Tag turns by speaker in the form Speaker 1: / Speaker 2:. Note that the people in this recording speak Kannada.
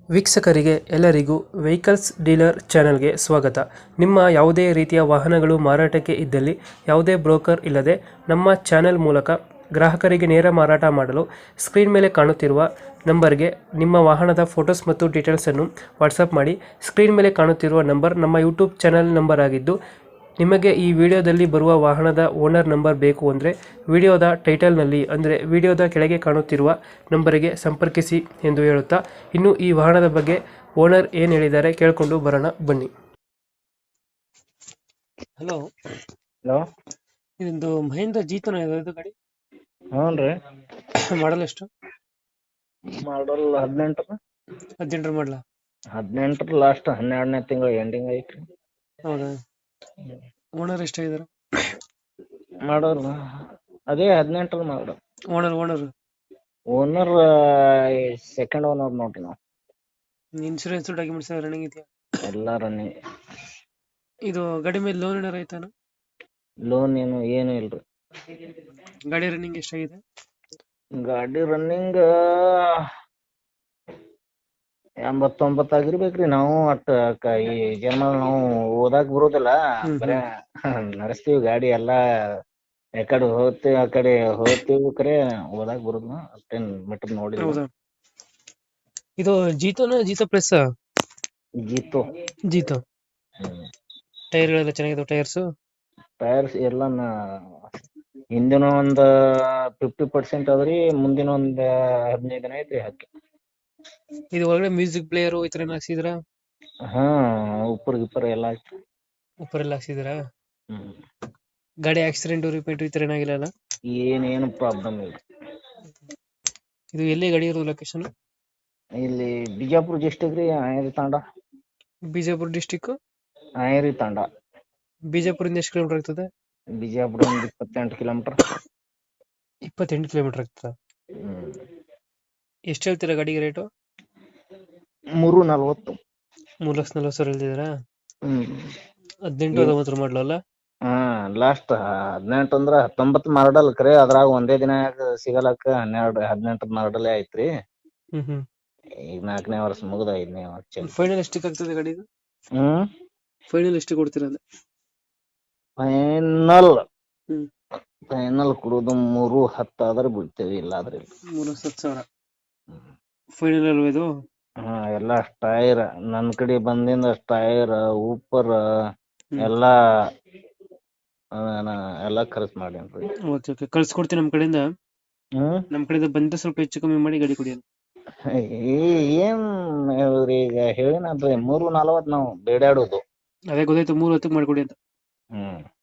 Speaker 1: ವೀಕ್ಷಕರಿಗೆ ಎಲ್ಲರಿಗೂ ವೆಹಿಕಲ್ಸ್ ಡೀಲರ್ ಚಾನೆಲ್ಗೆ ಸ್ವಾಗತ. ನಿಮ್ಮ ಯಾವುದೇ ರೀತಿಯ ವಾಹನಗಳು ಮಾರಾಟಕ್ಕೆ ಇದ್ದಲ್ಲಿ ಯಾವುದೇ ಬ್ರೋಕರ್ ಇಲ್ಲದೆ ನಮ್ಮ ಚಾನೆಲ್ ಮೂಲಕ ಗ್ರಾಹಕರಿಗೆ ನೇರ ಮಾರಾಟ ಮಾಡಲು ಸ್ಕ್ರೀನ್ ಮೇಲೆ ಕಾಣುತ್ತಿರುವ ನಂಬರ್ಗೆ ನಿಮ್ಮ ವಾಹನದ ಫೋಟೋಸ್ ಮತ್ತು ಡೀಟೇಲ್ಸನ್ನು ವಾಟ್ಸಪ್ ಮಾಡಿ. ಸ್ಕ್ರೀನ್ ಮೇಲೆ ಕಾಣುತ್ತಿರುವ ನಂಬರ್ ನಮ್ಮ ಯೂಟ್ಯೂಬ್ ಚಾನೆಲ್ ನಂಬರ್ ಆಗಿದ್ದು, ನಿಮಗೆ ಈ ವಿಡಿಯೋದಲ್ಲಿ ಬರುವ ವಾಹನದ ಓನರ್ ನಂಬರ್ ಬೇಕು ಅಂದರೆ ವಿಡಿಯೋದ ಟೈಟಲ್ನಲ್ಲಿ ಅಂದರೆ ವಿಡಿಯೋದ ಕೆಳಗೆ ಕಾಣುತ್ತಿರುವ ನಂಬರಿಗೆ ಸಂಪರ್ಕಿಸಿ ಎಂದು ಹೇಳುತ್ತಾ, ಇನ್ನು ಈ ವಾಹನದ ಬಗ್ಗೆ ಓನರ್ ಏನು ಹೇಳಿದ್ದಾರೆ ಕೇಳಿಕೊಂಡು ಬರೋಣ ಬನ್ನಿ. ಹಲೋ,
Speaker 2: ಹಲೋ,
Speaker 1: ಇದೊಂದು ಮಹೇಂದ್ರ ಜೀತನ ಇದು ಗಾಡಿ
Speaker 2: ಹ್ಞೂ ರೀ.
Speaker 1: ಮಾಡಲ್ ಎಷ್ಟು?
Speaker 2: ಮಾಡಲ್ 18
Speaker 1: 18 ಮಾಡಲ?
Speaker 2: 18 ಲಾಸ್ಟ್ 12ನೇ ತಿಂಗಳು ಎಂಡಿಂಗ್ ಐತ್ರಿ.
Speaker 1: ಹೌದಾ? ಓನರ್ ಎಷ್ಟಾಗಿದ್ದಾರೆ?
Speaker 2: ಮಾಡೋರು ಅದೇ 18 ಮಾಡೋರು.
Speaker 1: ಓನರ್
Speaker 2: ಓನರ್ ಸೆಕೆಂಡ್ ಓನರ್ ನೋಡ್ರಿ. ನಾವು
Speaker 1: ಇನ್ಶೂರೆನ್ಸ್ ಡಾಕ್ಯುಮೆಂಟ್ಸ್ ರನ್ನಿಂಗ್ ಇದೆಯಾ?
Speaker 2: ಎಲ್ಲ ರನ್ನಿಂಗ್.
Speaker 1: ಇದು ಗಾಡಿ ಮೇಲೆ ಲೋನ್ ಏನಾರ ಆಯ್ತಾನ?
Speaker 2: ಲೋನ್ ಏನು ಇಲ್ರಿ.
Speaker 1: ಗಾಡಿ ರನ್ನಿಂಗ್ ಎಷ್ಟಾಗಿದೆ?
Speaker 2: ಗಾಡಿ ರನ್ನಿಂಗ್ 89 ಆಗಿರ್ಬೇಕ್ರಿ. ನಾವು ಈ ಜನ್ಮ ನಾವು ಓದಾಕ್ ಬರೋದಿಲ್ಲ, ಬರೇ ನಡೆಸ್ತೀವಿ ಗಾಡಿ ಎಲ್ಲ. ಯಾಕಡೆ ಹೋಗ್ತೀವಿ ಆ ಕಡೆ ಹೋಗ್ತೀವಿ, ಕರೆ ಓದಾಕ್ ಬರೋದ್ನ ಅಷ್ಟೇನ್ ಮೆಟ್ರ್ ನೋಡಿ.
Speaker 1: ಹೌದಾ? ಇದು ಜೀತೋ ಪ್ಲಸ್? ಜೀತೋ. ಟೈರ್ಗಳೆಲ್ಲ ಚೆನ್ನಾಗಿದೆ?
Speaker 2: ಟೈರ್ಸ್ ಎಲ್ಲ ಹಿಂದಿನ ಒಂದ್ 50% ಅದ್ರಿ, ಮುಂದಿನ ಒಂದ್ 15 ದಿನ ಐತ್ರಿ ಹಾಕಿ.
Speaker 1: ಇದು ಒಳಗಡೆ ಮ್ಯೂಸಿಕ್ ಪ್ಲೇಯರ್ ಈ ತರ ಹಾಕ್ಸಿದ್ರ?
Speaker 2: ಹಾ, ಉಪ್ಪರ್ ಎಲ್ಲ ಐತಿ.
Speaker 1: ಉಪ್ಪರೆಲ್ಲ ಹಾಕ್ಸಿದ್ರ? ಗಾಡಿ ಆಕ್ಸಿಡೆಂಟ್ ರಿಪೇಂಟ್ ಈ ತರ ಏನಾಗಿಲ್ಲ ಅಲ್ಲ?
Speaker 2: ಏನೇನು ಪ್ರಾಬ್ಲಮ್ ಇಲ್ಲ.
Speaker 1: ಇದು ಎಲ್ಲಿ ಗಾಡಿ ಇರೋದು ಲೊಕೇಶನ್?
Speaker 2: ಇಲ್ಲಿ ಬಿಜಾಪುರ ಡಿಸ್ಟಿಕ್ ರೀ, ಆಯರಿ ತಾಂಡ.
Speaker 1: ಬಿಜಾಪುರ ಡಿಸ್ಟಿಕ್
Speaker 2: ಆಯರಿ ತಾಂಡ.
Speaker 1: ಬಿಜಾಪುರಿಂದ ಎಷ್ಟು ಕಿಲೋಮೀಟರ್ ಆಗ್ತದೆ?
Speaker 2: ಬಿಜಾಪುರ 28 ಕಿಲೋಮೀಟರ್.
Speaker 1: 28 ಕಿಲೋಮೀಟರ್ ಆಗ್ತದ? ಎಷ್ಟು ಹೇಳ್ತೀರಾ ಗಾಡಿಗೆ ರೇಟು?
Speaker 2: 340.
Speaker 1: 3,40,000 ಹೇಳ್ತಿದ್ದೀರಾ? 18 19 ಮಾಡಲಲ್ಲ?
Speaker 2: ಹಾ, ಲಾಸ್ಟ್ 18 ಅಂದ್ರ 19 ಮಾಡಲ್ ಕರೆ. ಅದ್ರಾಗ ಒಂದೇ ದಿನ ಸಿಗಲಕ್ಕ 18 ಮಾಡಲೇ ಐತ್ರಿ. ಈಗ 4ನೇ ವರ್ಷ ಮುಗಿದ 5ನೇ ವರ್ಷ.
Speaker 1: ಫೈನಲ್ ಎಷ್ಟಕ್ಕೆ ಆಗ್ತದೆ ಗಾಡಿದು? ಫೈನಲ್ ಎಷ್ಟು ಕೊಡ್ತೀರಾ ಅಂದ್ರೆ?
Speaker 2: ಫೈನಲ್ ಕೊಡೋದು 310 ಆದ್ರೆ ಬಿಡ್ತೇವೆ, ಇಲ್ಲ ಆದ್ರೆ ಇಲ್ಲ.
Speaker 1: 3,10,000 ಫೈನಲ್ ಅಲ್ವಾ ಇದು?
Speaker 2: ಹಾ, ಎಲ್ಲ ಟೈರ್ ನನ್ ಕಡೆ ಬಂದಿಂದ, ಟೈರ್ ಉಪ್ಪರ್ ಎಲ್ಲ ಖರ್ಚು ಮಾಡೇನ್ರಿ.
Speaker 1: ಓಕೆ, ಕಳ್ಸಿಕೊಡ್ತೀನಿ ನಮ್ಮ ಕಡೆಯಿಂದ. ನಮ್ಮ ಕಡೆಯಿಂದ ಬಂದ ಸ್ವಲ್ಪ ಹೆಚ್ಚು ಕಮ್ಮಿ ಮಾಡಿ ಗಾಡಿ ಕೊಡಿ.
Speaker 2: ಏನ್ ಈಗ ಹೇಳಿನಲ್ರಿ, 340 ನಾವು ಬೇಡಾಡೋದು.
Speaker 1: ಅದೇ ಗೊತ್ತಾಯ್ತು, 310 ಮಾಡ್ಕೊಡಿ ಅಂತ.